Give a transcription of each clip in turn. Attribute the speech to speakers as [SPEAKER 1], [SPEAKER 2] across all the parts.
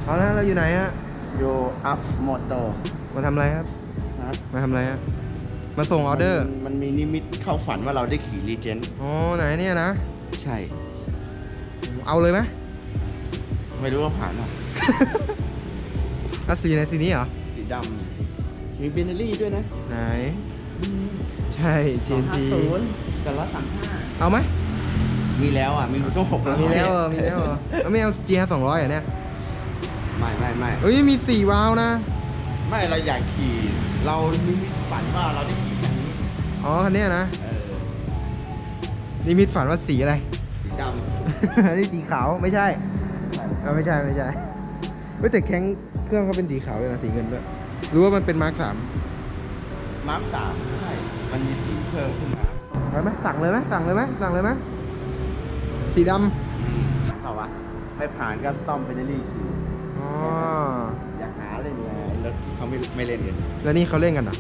[SPEAKER 1] เอาแล้วเราอยู่ไหนฮะ
[SPEAKER 2] อยู่อัพโมโต
[SPEAKER 1] มาทำอะไรครับ
[SPEAKER 2] นะ
[SPEAKER 1] มาทำอะไรฮะ มาส่งออเดอร์
[SPEAKER 2] มันมีนิมิตเข้าฝันว่าเราได้ขี่รีเจนต์
[SPEAKER 1] อ๋อไหนเนี่ยนะ
[SPEAKER 2] ใช่
[SPEAKER 1] เอาเลยไหม
[SPEAKER 2] ไม่รู้ว่าผ่านหรอ
[SPEAKER 1] อ่ะสีไหนสีนี้เหรอ
[SPEAKER 2] สีดำมีเบนเนอรี่ด้วยนะ
[SPEAKER 1] ไหน ใช่ TNT
[SPEAKER 2] 250แต่135
[SPEAKER 1] เอาไหม
[SPEAKER 2] มีแล้วอ่ะ มีต้อง600
[SPEAKER 1] มีแล้วมีแล้วแล้วไม่เอา GR 200อ่ะเนี่ย
[SPEAKER 2] ไม่
[SPEAKER 1] เฮ้ยมี4 วาล์วนะ
[SPEAKER 2] ไม่เราอยากขี่ เรานิมิตฝันว่าเราได้ขี่คันนี้
[SPEAKER 1] อ๋อคันเนี้ยนะ
[SPEAKER 2] เออ
[SPEAKER 1] นิมิตฝันว่าสีอะไร
[SPEAKER 2] สีด
[SPEAKER 1] อันนี้สีขาวไม่ใช่
[SPEAKER 2] ำ
[SPEAKER 1] ไม่ใช่เฮ้ยแต่แข้งเครื่องเขาเป็นสีขาวเลยนะสีเงินด้วยรู้ว่ามันเป็นมาร์ค 3
[SPEAKER 2] มาร์ค3ใช่ มันมีสีเพิ่มขึ้นมา
[SPEAKER 1] ไปไหมสั่งเลยไหมสีด
[SPEAKER 2] เปล่าวะไม่ผ่านก็ซ่อมเบนเนอรี่ขี่
[SPEAKER 1] ำอ๋อ
[SPEAKER 2] อยากหาเล่นไงแล้วเขาไม่เล่นกัน
[SPEAKER 1] แล้วนี่เขาเล่นกันเหรอ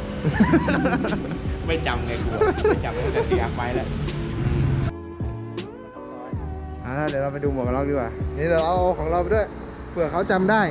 [SPEAKER 2] ไม่จำไงกูไม่จำตั้งแต่ตีอัพไว้แล้ว
[SPEAKER 1] เดี๋ยวเราไปดูหมวกกันน็อกดีกว่านี่เราเอาของเราไปด้วยเผื่อเขาจำได้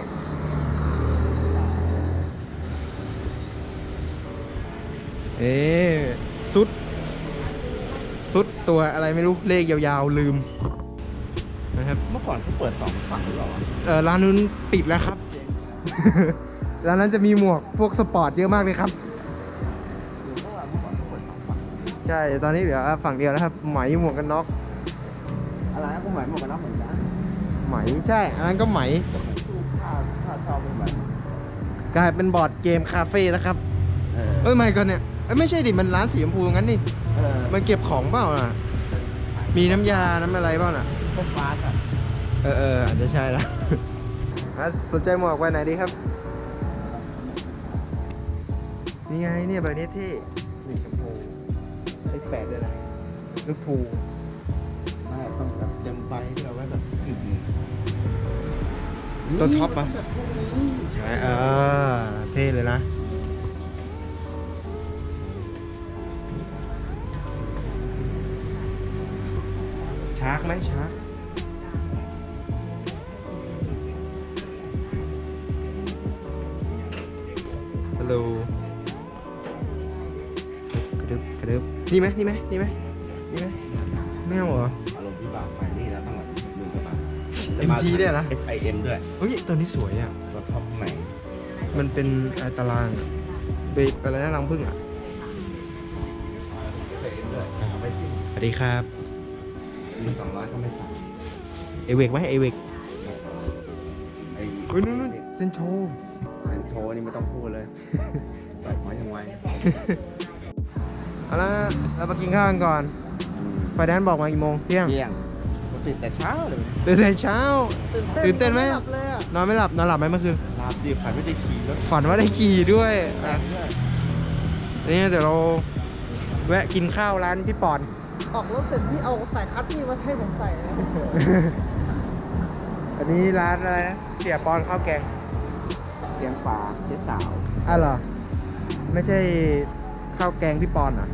[SPEAKER 1] สุดตัวอะไรไม่รู้เลขยาวๆลืมนะครับ
[SPEAKER 2] เมื่อก่อนเขาเปิด2ฝั่งหรือเปล่า
[SPEAKER 1] ร้านนู้นปิดแล้วครับ ร้านนั้นจะมีหมวกพวกสปอร์ตเยอะมากเลยครับ
[SPEAKER 2] หรือว่าเมื่อก่อนเขาเปิด2ฝั่ง
[SPEAKER 1] ใช่ตอนนี้เหลือฝั่งเดียวแล้วครับไหมหมวกกันน็อก
[SPEAKER 2] อะไรนะกูหมายหมวกกันน็อกเหมือนกัน
[SPEAKER 1] ไหมใช่อันนั้นก็ไหม
[SPEAKER 2] ตู้ค่าเช่าเป็นแบบ
[SPEAKER 1] กลายเป็นบอร์ดเกมคาเฟ่แล้วครับไม่ก่อนเนี่ยไม่ใช่ดิมันร้านสีชมพูงั้นนี่มันเก็บของเปล่าน่ะมีน้ำยาน้ำอะไรเปล่าน่ะ
[SPEAKER 2] พวกฟ้าอ่ะ
[SPEAKER 1] อาจจะใช่ละ สนใจหมวกไว้ไหนดีครับนี่ไงเนี่ยใบนี้เท่นี่ชมพูใช้8เลยนะลูกพู
[SPEAKER 2] ไม่ต้องแบบเต็มใบที่เราไว้แบบ
[SPEAKER 1] ตัวท็อปปะใช่เท่เลยนะชาร์กไหมชาร์กฮัลโหลกระดึบนี่ไหมไม่เอาเหรอ
[SPEAKER 2] อารมณ์ที่แบบไปนี่แล้วต้องแบบดูกันมา
[SPEAKER 1] MT เนี่ยนะ
[SPEAKER 2] FIM ด้วย
[SPEAKER 1] เฮ้ยตัวนี้สวยอ่ะ
[SPEAKER 2] ตัวท็อปใหม่
[SPEAKER 1] มันเป็นตารางอะเบรกอะไรนะรังผึ้งอ่ะ
[SPEAKER 2] FIM ด้วยเอาไปสิ
[SPEAKER 1] สวัสดีครับ
[SPEAKER 2] มี200ก็ไม่สั่ง
[SPEAKER 1] เอเวกไหมเอเวก
[SPEAKER 2] ไอ้
[SPEAKER 1] เฮ้ยนู่นเซนโช
[SPEAKER 2] เป็นโชว์นี่ไม่ต้องพูดเลยแบบไว้ยังไง
[SPEAKER 1] เอาละเรามากินข้าวกันก่อนไฟแดนซ์บอกมากี่โมงเที่ยง
[SPEAKER 2] เที่ยงติดแต่เช้าเลย
[SPEAKER 1] ตื่นแต่เช้า ตื่นเต้นไหม
[SPEAKER 2] หลับเลยอ่ะ
[SPEAKER 1] นอนไม่หลับไหมเมื่อคืน
[SPEAKER 2] หลับดิผ่านไม่ได้ขี่รถ
[SPEAKER 1] ฝันว่าได้ขี่ด้วย
[SPEAKER 2] แรงด้วย
[SPEAKER 1] นี่เดี๋ยวเราแวะกินข้าวร้านพี่ปอน
[SPEAKER 3] ออกรถเสร็จพี่เอาสายคัตนี่มาให้ผมใส่นะ
[SPEAKER 1] อันนี้ร้านอะไรนะเสียปอนข้าวแกง
[SPEAKER 2] เตียงปลาเจ๊สาว
[SPEAKER 1] เหรอไม่ใช่ข้าวแกงพี่ปอนเหรอ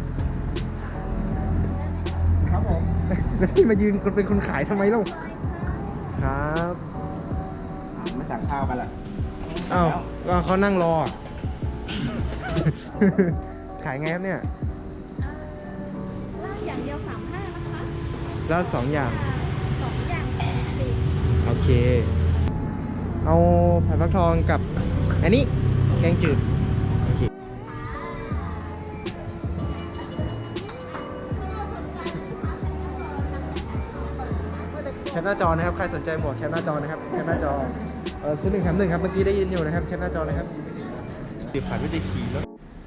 [SPEAKER 3] ครับผม
[SPEAKER 1] แล้วที่มายืนคนเป็นคนขายทำไมเล่าครับ
[SPEAKER 2] ไม่สั่งข้าวกันล่ะ
[SPEAKER 1] อ้าวก็เขานั่งรอ ขายไงครับเนี่ย
[SPEAKER 4] ลาดอย่างเดียว35นะคะ
[SPEAKER 1] แล้ว2 อย่าง
[SPEAKER 4] 2อย่าง40
[SPEAKER 1] โอเค เอาผัดฟักทองกับอันนี้แกงจืดโอเคแคปหน้าจอนะครับ ใครสนใจหมวกแคปหน้าจอนะครับแคปหน้าจอซื้อ1 แถม 1ครับ เมื่อกี้ได้ยินอยู่นะครับแคปหน้าจอนะครับ
[SPEAKER 2] ดิผ่านไม่ได้ขี่รถ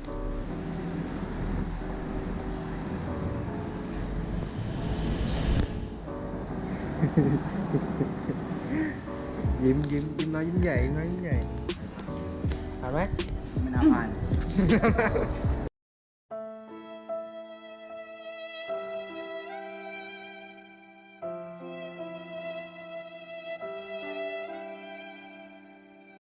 [SPEAKER 1] ยิ้มน้อยยิ้มใหญ่ผ่านไหม
[SPEAKER 2] ไม่น่าผ่าน